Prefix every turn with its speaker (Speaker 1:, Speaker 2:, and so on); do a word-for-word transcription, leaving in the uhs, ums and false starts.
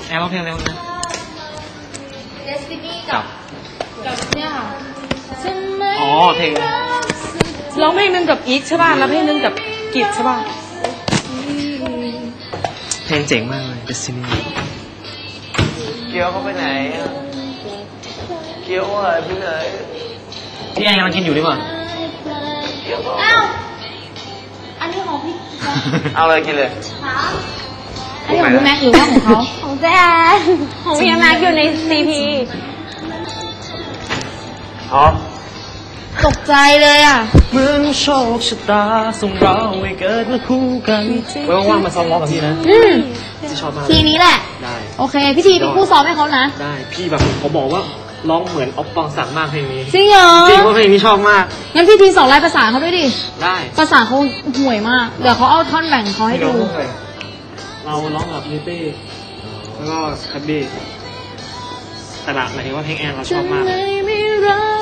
Speaker 1: แอร์ร้องเพลงอะไรบ้างนะ
Speaker 2: Destiny กับกับเนี่ยค่ะ
Speaker 1: อ๋อเพลง
Speaker 3: ร้องเพลงนึงกับอีกใช่ป่ะแล้วเพลงนึงกับกิจใช่ป่ะ
Speaker 1: เพลงเจ๋งมากเลย Destiny
Speaker 4: เกียวเขาไปไหนเกียวหายไปไหน
Speaker 1: พี่แอนกำลังกินอยู่ดีกว่า
Speaker 2: อ้าวอันนี้ของพี่
Speaker 4: เอาเลยกินเลย
Speaker 2: อันนี้ของพี่แม็กหรือว่าของเขาของแจ๊ของพี่แม็กอยู่ในซีพี
Speaker 4: อ๋อ
Speaker 2: ตกใจเลยอ่ะ
Speaker 1: เหมือนโชคชะตาส่งเราให้เกิดมาคู่กันไว้ว่างๆมาซ้อมร้องกับพี่นะ
Speaker 2: อืม
Speaker 1: พี่ชอบมาก
Speaker 2: ทีนี้แหละ
Speaker 1: ได้
Speaker 2: โอเคพี่ทีเป็นผู้ซ้อมให้เขานะ
Speaker 1: ได้พี่แบบเขาบอกว่าร้องเหมือนออฟปองศักดิ์มากเพลงนี้
Speaker 2: จริงเหรอ
Speaker 1: จริงว่าเพลงนี้ชอบมาก
Speaker 2: งั้นพี่ทีสอนลายภาษาเขาด้วยดิ
Speaker 1: ได้
Speaker 2: ภาษาเขาห่วยมาก เดี๋ยวเขาเอาท่อนแบ่งเขาให้ดู
Speaker 1: เราร้องกับนิตี้แล้วก็คับบี้แต่แบบหมายถึงว่าเพลงแอนเราชอบมาก
Speaker 2: ไม่รั